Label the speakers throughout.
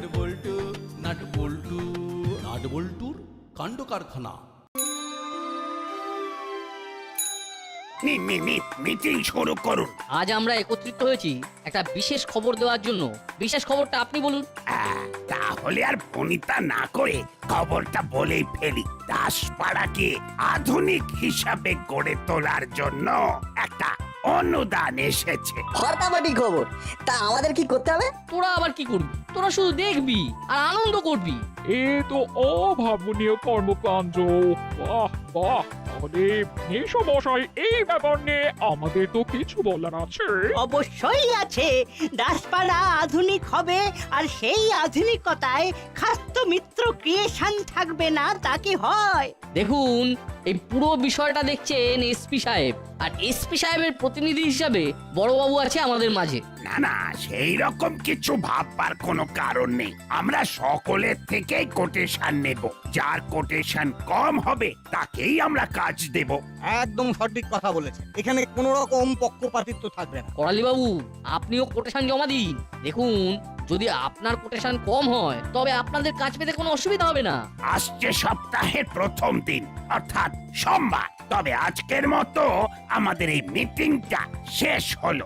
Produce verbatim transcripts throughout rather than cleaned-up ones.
Speaker 1: Nut বল্টু nut বল্টু nut বল্টুর কাণ্ড কারখানা।
Speaker 2: মিটিং শুরু করুন।
Speaker 3: আজ আমরা একত্রিত হয়েছি একটা বিশেষ খবর দেওয়ার জন্য। বিশেষ খবরটা আপনি বলুন।
Speaker 2: আহ, তাহলে আর ফোনিতা না করে খবরটা বলেই ফেলি। দাসপাড়াকে আধুনিক হিসাবে গড়ে তোলার জন্য একটা অনুদান এসেছে।
Speaker 4: ফাটাফাটি খবর। তা আমাদের কি করতে হবে?
Speaker 3: তোরা আবার কি করবি? তোরা শুধু দেখবি আর আনন্দ করবি।
Speaker 5: এ তো অভাবনীয় কর্মকাণ্ড। বাহ বাহ, তাহলে মেশো মশাই এই ব্যাপার নিয়ে আমাদের তো কিছু বলার আছে।
Speaker 6: অবশ্যই আছে। দাসপাড়া আধুনিক হবে, আর সেই আধুনিকতায় খাস্ত মিত্র ক্রিয়েশন থাকবে না, তা কি হয়?
Speaker 3: দেখুন, এই পুরো বিষয়টা দেখছেন এসপি সাহেব, আর এসপি সাহেবের প্রতিনিধি হিসাবে বড়বাবু আছে আমাদের মাঝে।
Speaker 2: না না, সেই রকম কিছু ভাববার কোনো কারণ নেই। আমরা সকলের থেকেই কোটেশন নেব। যার কোটেশন কম হবে তাকেই আমরা কাজ দেব।
Speaker 7: একদম সঠিক কথা বলেছেন। এখানে কোন রকম পক্ষপাতিত্ব থাকবে না।
Speaker 3: করালি বাবু, আপনিও কোটেশন জমা দিন। দেখুন, যদি আপনার কোটেশন কম হয় তবে আপনাদের কাজ পেতে কোনো অসুবিধা হবে না।
Speaker 2: আসছে সপ্তাহের প্রথম দিন অর্থাৎ সোমবার। তবে আজকের মতো আমাদের এই মিটিংটা শেষ হলো।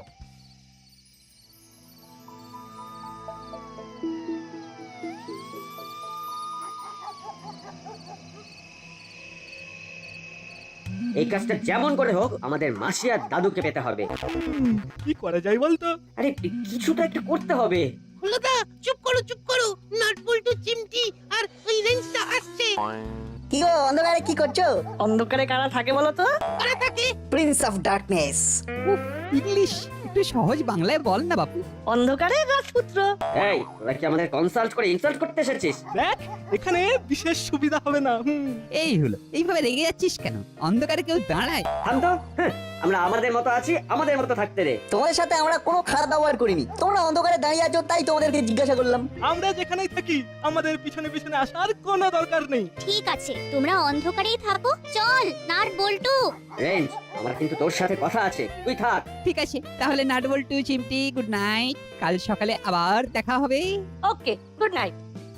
Speaker 8: এই কাজটা যেমন করে হোক আমাদের মাসি আর দাদুকে পেতে হবে।
Speaker 7: কি করা যায় বলতো?
Speaker 8: আরে কিছু তো একটা করতে হবে।
Speaker 6: হলোদা, চুপ করো চুপ করো। নাট বল্টু, চিমটি আর ওই রেঞ্জটা আসছে।
Speaker 4: কি গো, অন্ধকারে কি করছো?
Speaker 6: অন্ধকারে কারা থাকে বলো তো? কারা থাকে?
Speaker 4: Prince of darkness.
Speaker 9: ইংলিশ একটু সহজ বাংলায় বল না বাপু।
Speaker 6: অন্ধকারে রাজপুত্র।
Speaker 8: এই তোরা কি আমাদের কনসাল্ট করে ইনসাল্ট করতে এসেছিস?
Speaker 7: দেখ, এখানে বিশেষ সুবিধা হবে না।
Speaker 9: এই হলো, এইভাবে রেগে যাচ্ছিস কেন? অন্ধকারে কেউ দাঁড়ায়?
Speaker 8: থাম তো। হ্যাঁ, আমরা আমাদের মতো আছি, আমাদের মতো থাকতে দে।
Speaker 4: তোমাদের সাথে আমরা কোনো খারাপ ব্যবহার করিনি। তোমরা অন্ধকারে দাঁড়িয়ে আছো তাই তোমাদেরকে জিজ্ঞাসা করলাম।
Speaker 7: আমরা যেখানেই থাকি আমাদের পিছনে পিছনে আসার কোনো দরকার নেই।
Speaker 10: ঠিক আছে, তোমরা অন্ধকারেই থাকো। চল নাট বল্টু।
Speaker 8: রেঞ্জ, আমার কিন্তু তোর সাথে কথা আছে, তুই থাক।
Speaker 9: ঠিক আছে, তাহলে নাটবল্টু চিমটি গুড নাইট। কাল সকালে আবার দেখা হবে।
Speaker 6: Okay, good night.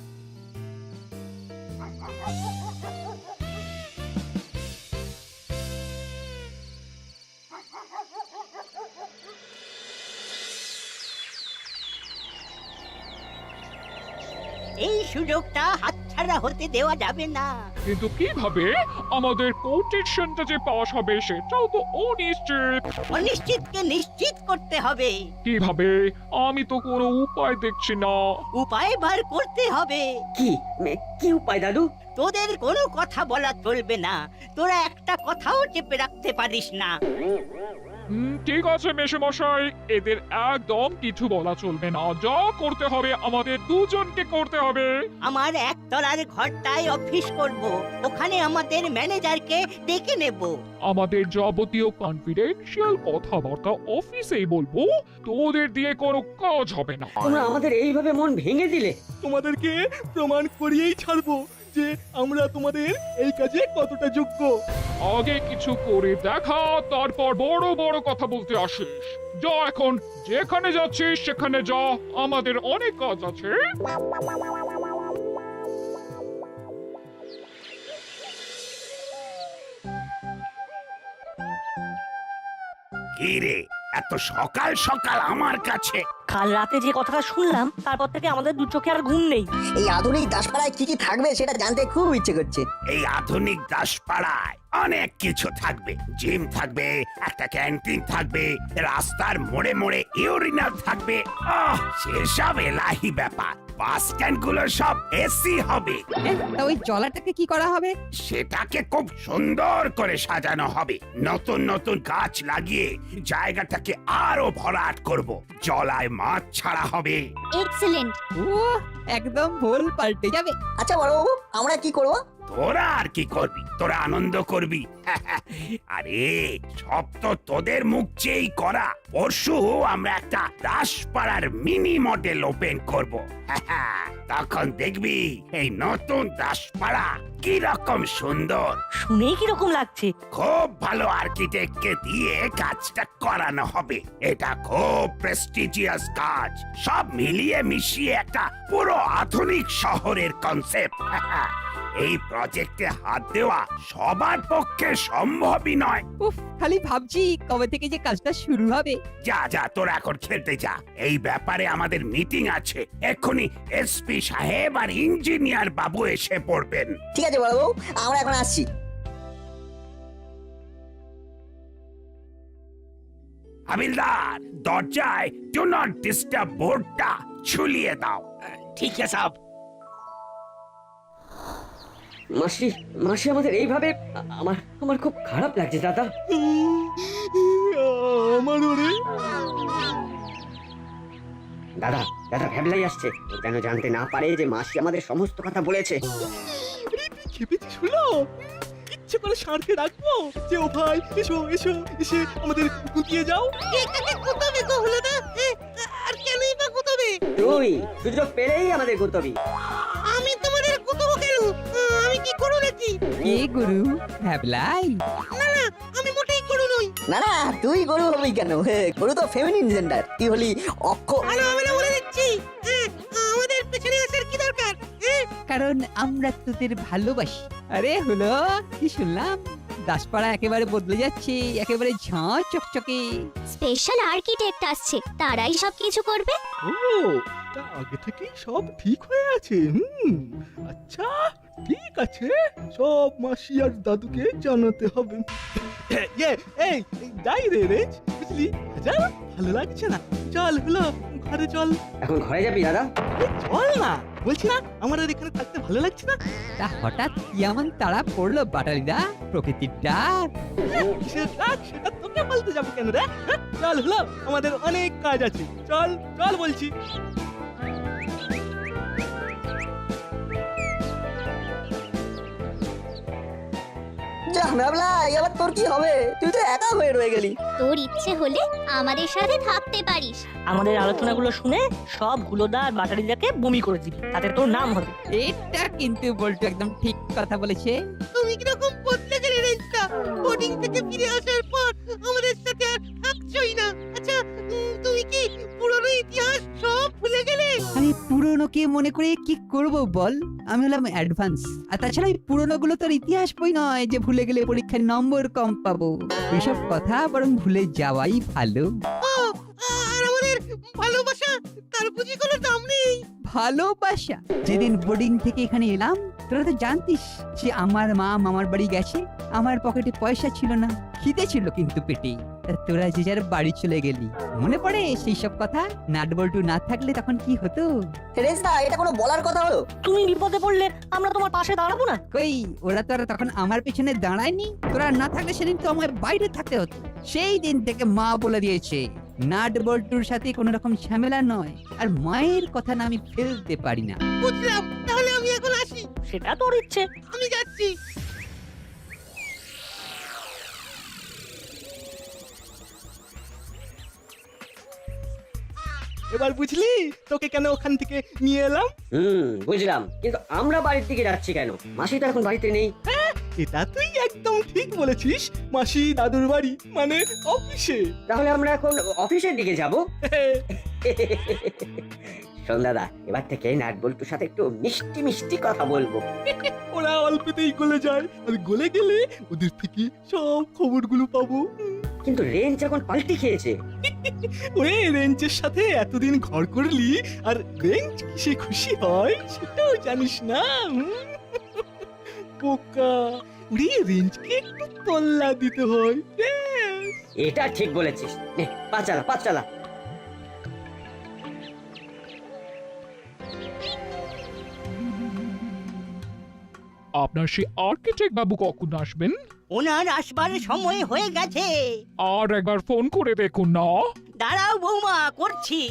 Speaker 6: এই সুযোগটা হাতছাড়া হতে দেওয়া যাবে না।
Speaker 5: কিন্তু কিভাবে আমাদের কোটেশনটা যে পাস হবে সেটাও তো অনিশ্চিত।
Speaker 6: অনিশ্চিতকে নিশ্চিত করতে হবে।
Speaker 5: কিভাবে? আমি তো কোনো উপায় দেখছি না।
Speaker 6: উপায় বার করতে হবে।
Speaker 8: কি মে- কি উপায় দাদু?
Speaker 6: তোদের কোনো কথা বলা চলবে না। তোরা একটা কথাও চেপে রাখতে পারিস না।
Speaker 5: হুম, ঠিক আছে মেশো মশাই, এদের একদম কিছু বলা চলবে না। যা করতে হবে আমাদের দুজনকে করতে হবে।
Speaker 6: আমার একতলার ঘরটায় অফিস করব। ওখানে আমাদের ম্যানেজারকে ডেকে নেব।
Speaker 5: আমাদের যাবতীয় কনফিডেন্সিয়াল কথাবার্তা অফিসেই বলবো। তোদের দিয়ে কোনো কাজ হবে না।
Speaker 8: তোমরা আমাদের এইভাবে মন ভেঙে দিলে।
Speaker 7: তোমাদেরকে প্রমাণ করিয়েই ছাড়বো যে আমরা তোমাদের এই কাজে কতটা যোগ্য।
Speaker 5: আগে কিছু করে দেখা, তারপর বড় বড় কথা বলতে আসিস। যা, এখন যেখানে যাচ্ছিস সেখানে যা, আমাদের অনেক কাজ আছে।
Speaker 2: কি রে, এত সকাল সকাল আমার কাছে?
Speaker 6: কাল রাতে যে কথাটা শুনলাম তারপর থেকে আমাদের দু চোখে আর ঘুম নেই।
Speaker 4: এই আধুনিক দাসপাড়ায় কি কি থাকবে সেটা জানতে খুব ইচ্ছে করছে।
Speaker 2: এই আধুনিক দাসপাড়ায় অনেক কিছু থাকবে। জিম থাকবে, একটা ক্যান্টিন থাকবে, রাস্তার মোড়ে মোড়ে ইউরিনাল থাকবে। আহ, সেসব এলাহি ব্যাপার। বাস স্ট্যান্ড গুলো সব এসি হবে।
Speaker 9: তা ওই জলাটাকে কি করা হবে?
Speaker 2: সেটাকে খুব সুন্দর করে সাজানো হবে। নতুন নতুন গাছ লাগিয়ে জায়গাটাকে আরো ভরাট করব। জলায় মাছ ছাড়া হবে।
Speaker 10: এক্সেলেন্ট।
Speaker 9: ও একদম ভুল পাল্টে যাবে।
Speaker 4: আচ্ছা বড়বাবু, আমরা কি করব?
Speaker 2: তোরা আর কি করবি? তোরা আনন্দ করবি। আরে সব তো তোদের মুখ চেয়েই করা। পরশু আমরা একটা দাসপাড়ার মিনি মডেল ওপেন করব। তখন দেখবি এই নতুন দাসপাড়া কি রকম সুন্দর।
Speaker 6: শুনেই কিরকম লাগছে?
Speaker 2: খুব ভালো আর্কিটেক্টকে দিয়ে কাজটা করানো হবে। এটা খুব প্রেস্টিজিয়াস কাজ। সব মিলিয়ে মিশিয়ে একটা পুরো আধুনিক শহরের কনসেপ্ট। এই প্রজেক্টে হাত দেওয়া সবার পক্ষে সম্ভবই নয়।
Speaker 9: উফ, খালি ভাবছি কবে থেকে যে কাজটা শুরু হবে।
Speaker 2: যা যা তোরা এখন খেলতে যা। এই ব্যাপারে আমাদের মিটিং আছে। এক্ষুনি এসপি সাহেব আর ইঞ্জিনিয়ার বাবু এসে পড়বেন।
Speaker 4: ঠিক আছে বড়বাবু, আমরা এখন আসছি।
Speaker 2: হাবিলদার, দরজায় ডু নট ডিস্টার্ব বোর্ডটা ঝুলিয়ে দাও।
Speaker 1: ঠিক আছে সাহেব।
Speaker 8: মাসি মাসি আমাদের এইভাবে আ- আমার আমার খুব খারাপ লাগছে দাদা।
Speaker 7: আমার ওরে
Speaker 8: দাদা দাদা ভ্যাবলাই আসছে। ও যেন জানতে না পারে যে মাসি আমাদের সমস্ত কথা বলেছে।
Speaker 7: তুই খেপেছিস হলো? ইচ্ছে করে সারকে রাখবো যে ও ভাই এসো এসো এসে আমাদের গুটিয়ে যাও।
Speaker 6: কোথাবে গো হলো না? আর কেনই বা কোথাবে?
Speaker 8: তুই সুযোগ পেলেই আমাদের গুতবি।
Speaker 6: আমি তোমাদের কোথাও কেন? আমি কি করো নাকি?
Speaker 9: কে গুরু? ভ্যাবলাই?
Speaker 6: না না, আমি মোটেই করো নই।
Speaker 4: না না, তুই গরু হবি কেন? হে, গরু তো ফেমিনিন জেন্ডার। তুই হলি অক্ষ।
Speaker 6: ভালো হবে না বলে দিচ্ছি। আমাদের পেছনে আসার কি দরকার?
Speaker 9: কারণ আমরা তোদের ভালোবাসি। আরে হলো কি শুনলাম, দাসপাড়া একেবারে বদলে যাচ্ছে, একেবারে ঝাঁ চকচকে।
Speaker 10: স্পেশাল আর্কিটেক্ট আসছে, তারাই সব কিছু করবে।
Speaker 7: ও, তা আগে থেকেই সব ঠিক হয়ে আছে। হুম, আচ্ছা ঠিক আছে, সব মাসি আর দাদুকে জানাতে হবে। ইয়ে, এই এই, যাই রে রে, বুঝলি? যা, ভালো লাগছে না। চল হলো ঘরে চল।
Speaker 8: এখন ঘরে যাবি দাদা?
Speaker 7: আরে চল না, বলছি না আমার আর এখানে থাকতে ভালো লাগছে না।
Speaker 9: তা হঠাৎ কেমন তারা পড়লো বাটালিদা? প্রকৃতির ডাক?
Speaker 7: কিসের ডাক সেটা তোকে বলতে যাবো কেন রে? হ্যাঁ? চল হলো, আমাদের অনেক কাজ আছে। চল চল বলছি।
Speaker 4: যা ভাবলা, এবার তোর কি হবে? তুই তো একা হয়ে রয়ে গেলি।
Speaker 10: তোর ইচ্ছে হলে আমাদের সাথে থাকতে পারিস।
Speaker 6: আমাদের আলোচনাগুলো শুনে সব হুলোদা আর বাটারিদাকে বমি করে দিবি, তাতে তোর নাম হবে।
Speaker 9: এটা কিন্তু বলতো একদম ঠিক কথা বলেছে।
Speaker 6: তুমি কিরকম বদলে গেলে রেঞ্জটা? বোর্ডিং থেকে ফিরে আসার পর আমাদের সাথে আর থাকছই না। আচ্ছা, উম, তুমি কি পুরনো ইতিহাস সব ভুলে গেলে?
Speaker 9: আমি পুরনোকে মনে করে কি করব বল? আমি হলাম অ্যাডভান্স। আর তাছাড়া এই পুরনো গুলো তোর ইতিহাস বই নয় যে ভুলে গেলে পরীক্ষায় নম্বর কম পাবো। এসব কথা বরং ভুলে যাওয়াই ভালো।
Speaker 6: ও, আর আমাদের ভালোবাসা, তার বুঝি কোনো দাম নেই?
Speaker 9: ভালোবাসা? যেদিন বোর্ডিং থেকে এখানে এলাম তোরা তো জানতিস যে আমার মা মামার বাড়ি গেছে, আমার পকেটে পয়সা ছিল না, খিদে ছিল কিন্তু পেটে। তা তোরা যে যার বাড়ি চলে গেলি, মনে পড়ে সেই সব কথা? নাট বল্টু না থাকলে তখন কি হতো?
Speaker 4: রেজদা, এটা কোনো বলার কথা হলো?
Speaker 6: তুমি বিপদে পড়লে আমরা তোমার পাশে দাঁড়াবো না?
Speaker 9: কই, ওরা তো আর তখন আমার পেছনে দাঁড়ায়নি। তোরা না থাকলে সেদিন তো আমার বাইরে থাকতে হতো। সেই দিন থেকে মা বলে দিয়েছে নাট বল্টুর সাথে কোনো রকম ঝামেলা নয়, আর মায়ের কথা না আমি ফেলতে পারি না।
Speaker 6: বুঝলাম, তাহলে আমি এখন আসি। সেটা তোর ইচ্ছে, আমি যাচ্ছি।
Speaker 7: এবার বুঝলি তোকে কেন ওখান থেকে নিয়ে এলাম?
Speaker 8: হুম, বুঝলাম, কিন্তু আমরা বাড়ির দিকে যাচ্ছি কেন? মাসি তো এখন বাড়িতে নেই।
Speaker 7: এটা তুই একদম ঠিক বলেছিস। মাসি দাদুর বাড়ি মানে অফিসে।
Speaker 8: তাহলে আমরা এখন অফিসের দিকে যাব। শোন দাদা, এবার থেকে নাট বল্টুর সাথে একটু মিষ্টি মিষ্টি কথা বলবো।
Speaker 7: ওরা অল্পতেই গলে যায়, আর গলে গেলে ওদের থেকে সব খবরগুলো পাবো।
Speaker 8: কিন্তু রেঞ্জ এখন পাল্টি খেয়েছে।
Speaker 7: ওরে, রেঞ্জের সাথে এতদিন ঘর করলি, আর রেঞ্জ কিসে খুশি হয় সেটাও জানিস না। হুম? বোকা, ওরে রেঞ্জকে একটু তল্লা দিতে হয়। ব্যাস।
Speaker 8: এটা ঠিক বলেছিস। নে, পা চালা পা চালা।
Speaker 5: আপনার সেই আর্কিটেক্ট বাবু কখন আসবেন?
Speaker 6: ওনার আসবার সময় হয়ে গেছে।
Speaker 5: আর একবার ফোন করে দেখুন না।
Speaker 6: দাঁড়াও বৌমা, করছি।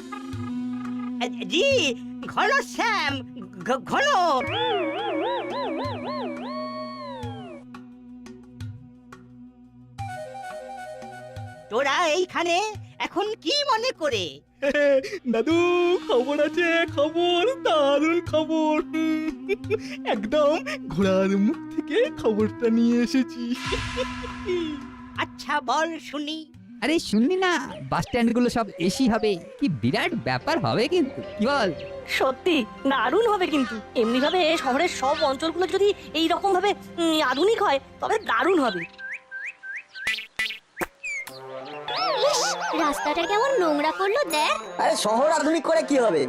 Speaker 6: জি, ঘন শ্যাম, ঘ- ঘন। তোরা এইখানে এখন কি মনে করে?
Speaker 7: দাদু খবর আছে, খবর, দারুণ খবর। একদম ঘোড়ার মুখ থেকে খবরটা নিয়ে এসেছি।
Speaker 6: আচ্ছা বল শুনি।
Speaker 9: আরে শুনলি না, বাস স্ট্যান্ড গুলো সব এসি হবে, কি বিরাট ব্যাপার হবে কিন্তু, কি বল?
Speaker 11: সত্যি দারুণ হবে কিন্তু এমনি ভাবে শহরের সব অঞ্চলগুলো যদি এই রকম ভাবে উম, আধুনিক হয় তবে দারুণ হবে।
Speaker 10: রাস্তাটা কেমন নোংরা করলো দেখ।
Speaker 4: আরে শহর আধুনিক করে কি হবে?